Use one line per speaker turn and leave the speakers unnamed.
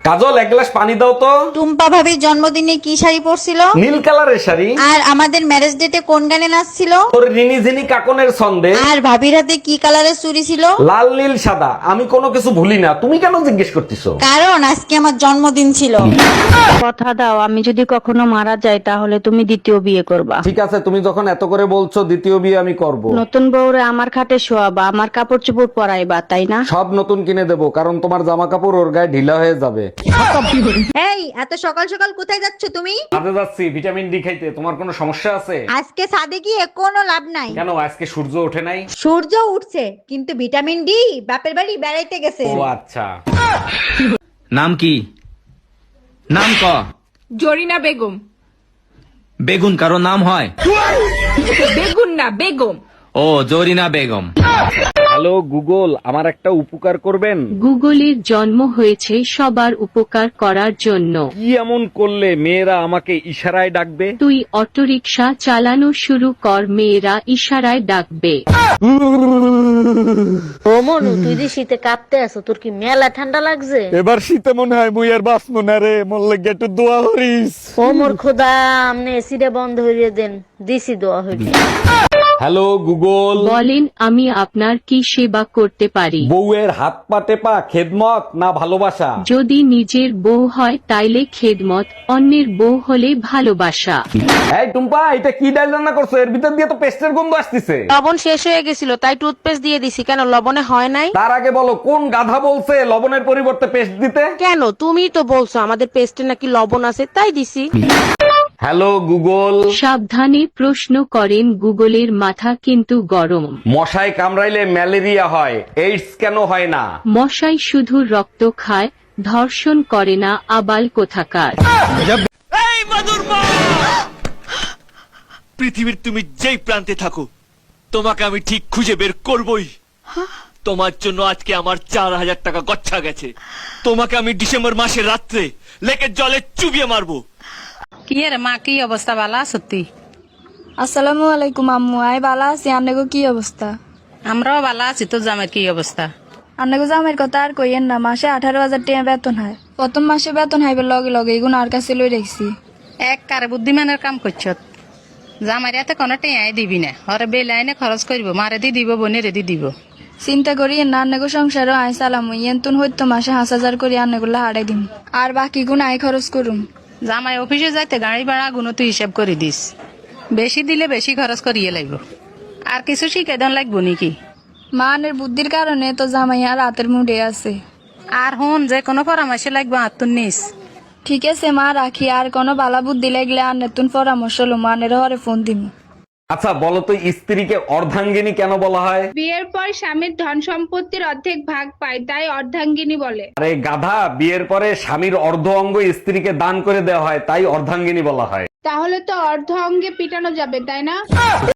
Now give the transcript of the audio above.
কাজল, এক গ্লাস পানি দাও তো।
টুম্পা ভাবির জন্মদিনে কি শাড়ি পরছিল?
নীল কালারের শাড়ি।
আর আমাদের ম্যারেজ ডেটে কোন গানে নাচছিল?
তোর রিনি ঝিনি কাকনের ছন্দে।
আর ভাবির হাতে কি কালারের চুড়ি ছিল?
লাল নীল সাদা, আমি কোনো কিছু ভুলি না, তুমি কেন জিজ্ঞেস করতেছো?
কারণ আজকে আমার জন্মদিন ছিল।
কথা দাও, আমি যদি কখনো মারা যাই তাহলে তুমি দ্বিতীয় বিয়ে করবা।
ঠিক আছে, তুমি যখন এত করে বলছো, দ্বিতীয় বিয়ে আমি করব।
নতুন বউরে আমার খাটে শোয়াবা, আমার কাপড় চোপড় পরাইবা, তাই না?
সব নতুন কিনে দেবো, কারণ তোমার জামা কাপড় ওর গায়ে ঢিলা হয়ে যাবে।
এই এত সকাল সকাল কোথায় যাচ্ছ তুমি?
কাজে যাচ্ছি ভিটামিন ডি খাইতে। তোমার কোনো সমস্যা আছে?
আজকে ছাদে গিয়ে কোনো লাভ নাই।
কেন, আজকে সূর্য ওঠে নাই?
সূর্য উঠছে কিন্তু ভিটামিন ডি বাপের বাড়ি বেড়াইতে গেছে।
ও আচ্ছা।
নাম কি? নাম ক।
জরিনা বেগম।
বেগুন কারো নাম হয়?
বেগুন না, বেগম।
ও, জরিনা বেগম।
হ্যালো গুগল, আমার একটা উপকার করবেন?
গুগলের জন্ম হয়েছে সবার উপকার করার জন্য।
কি এমন করলে মেয়েরা আমাকে ইশারায় ডাকবে?
তুই অটোরিকশা চালানো শুরু কর, মেয়েরা ইশারায় ডাকবে।
ও মনু, তুই যে শীতে কাঁপতে আছো, তোর কি মেলা ঠান্ডা লাগছে?
এবার শীতে মনে হয় মুই আর বাঁচবো না রে, মরলে একটু দোয়া করিস।
ও মোর খোদা, আমনে এসিটা বন্ধ হইয়ে দেন, দিছি দোয়া হইবে।
হ্যালো গুগল,
বলেন, আমি আপনার কি সেবা করতে পারি?
বউয়ের হাত পা টেপা খেদমত না ভালোবাসা?
যদি নিজের বউ হয় তাইলে খেদমত, অন্যের বউ হলে ভালোবাসা।
এই টুম্পা, এটা কি ডাল রান্না করছো? এর ভিতর দিয়ে তো পেস্টের গন্ধ আসতেছে।
লবণ শেষ হয়ে গেছিল তাই টুথপেস্ট দিয়ে দিছি। কেন, লবণে হয় নাই?
তার আগে বলো, কোন গাধা বলছে লবণের পরিবর্তে পেস্ট দিতে?
কেন, তুমি তো বলছো আমাদের পেস্টে নাকি লবণ আছে তাই দিছি।
হ্যালো গুগল,
সাবধানে প্রশ্ন করেন, গুগলের মাথা কিন্তু গরম।
মশায় কামড়াইলে ম্যালেরিয়া হয়, এইডস কেন হয় না?
মশাই শুধু রক্ত খায়, ধর্ষণ করে না, আবাল কোথাকার।
পৃথিবীর তুমি যেই প্রান্তে থাকো, তোমাকে আমি ঠিক খুঁজে বের করবই। তোমার জন্য আজকে আমার 4,000 টাকা গচ্ছা গেছে। তোমাকে আমি ডিসেম্বর মাসের রাত্রে লেকের জলে চুবিয়ে মারবো।
কি রে মা, কি অবস্থা? ভালো সত্যি?
আসসালামু আলাইকুম আম্মু, আই বালা আছি। আন্নাগো কি অবস্থা?
আমরাও ভালো আছি। তোর জামাই কি অবস্থা?
আন্নাগো জামের কথা আর কইয়েন না, মাসে 18,000 টাকা বেতন হয়। প্রথম মাসে বেতন হাইবার লগে লগে এগুন আর কাছে লই রাখছি।
এক কারে বুদ্ধিমানের কাম করছ। জামাইরে এতে কোনো টেঁয়াই দিবি না, হরে বেলাইনে খরচ করবো, মারে দি দিব, বোনের দি দিব।
চিন্তা করি না, আন্নাগো সংসারও আই চালামু। ইয়েন্তুন হইতো মাসে 5,000 করে আন্নাগুলা হারাই দিম, আর বাকি গুণ আই খরচ করুম।
জামাই অফিসে যাইতে গাড়ি ভাড়া গুণ তুই হিসাব করে দিস। বেশি দিলে বেশি খরচ করিয়ে লাগব। আর কিছু শিখে দেন লাগবো নাকি?
মানের বুদ্ধির কারণে তো জামাই আর রাতের মুডে আছে।
আর হন, যে কোনো পরামর্শ লাগবে আত্মন নিস।
ঠিক আছে মা, রাখি। আর কোনো বালা বুদ্ধি লাগলে আর নতুন পরামর্শ লো, মানের হরে ফোন দিম।
আচ্ছা বলো তো, স্ত্রীকে অর্ধাঙ্গিনী কেন বলা হয়?
বিয়ের পর স্বামীর ধন সম্পত্তির অর্ধেক ভাগ পায়, তাই অর্ধাঙ্গিনী বলে।
আরে গাধা, বিয়ের পরে স্বামীর অর্ধ অঙ্গ স্ত্রীকে দান করে দেওয়া হয়, তাই অর্ধাঙ্গিনী বলা হয়।
তাহলে তো অর্ধ অঙ্গে পিটানো যাবে, তাই না?